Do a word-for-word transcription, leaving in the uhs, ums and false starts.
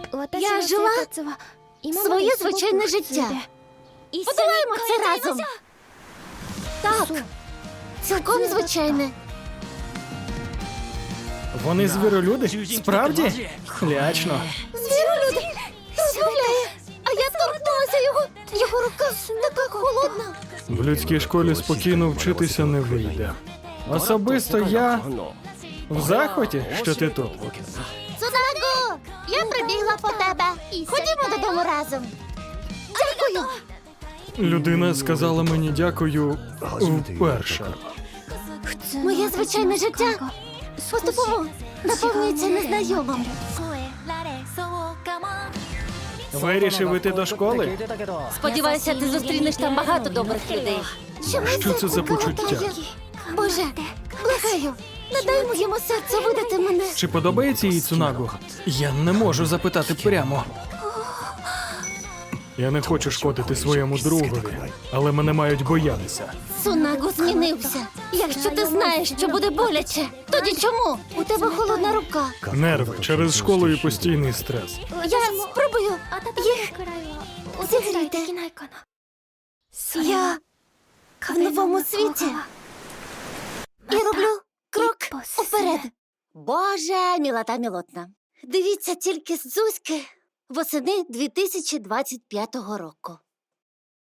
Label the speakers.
Speaker 1: Я жила своє звичайне життя. Подолаємо це разом. Так, цілком звичайне.
Speaker 2: Вони звіролюди? Справді? Лячно.
Speaker 1: Звіролюди розмовляє, а я торкнулася його. Його рука така холодна.
Speaker 2: В людській школі спокійно вчитися не вийде. Особисто я в захваті, що ти тут.
Speaker 1: Цунаго, я прибігла по тебе. Ходімо додому разом. Дякую.
Speaker 2: Людина сказала мені дякую вперше.
Speaker 1: Моє звичайне життя поступово наповнюється незнайомим.
Speaker 2: Вирішив іти до школи?
Speaker 3: Сподіваюся, ти зустрінеш там багато добрих людей.
Speaker 2: Що це за почуття?
Speaker 1: Боже, благаю, не дай моєму серцю видати мене.
Speaker 2: Чи подобається їй Цунагу? Я не можу запитати прямо. Я не хочу шкодити своєму другові, але мене мають боятися.
Speaker 1: Цунаго змінився. Якщо ти знаєш, що буде боляче, тоді чому? У тебе холодна рука.
Speaker 2: Нерви через школу і постійний стрес.
Speaker 1: Я спробую їх зігріти. Я в новому світі і роблю крок уперед. Боже, мілота мілотна. Дивіться тільки з Зузьки восени дві тисячі двадцять п'ятого року.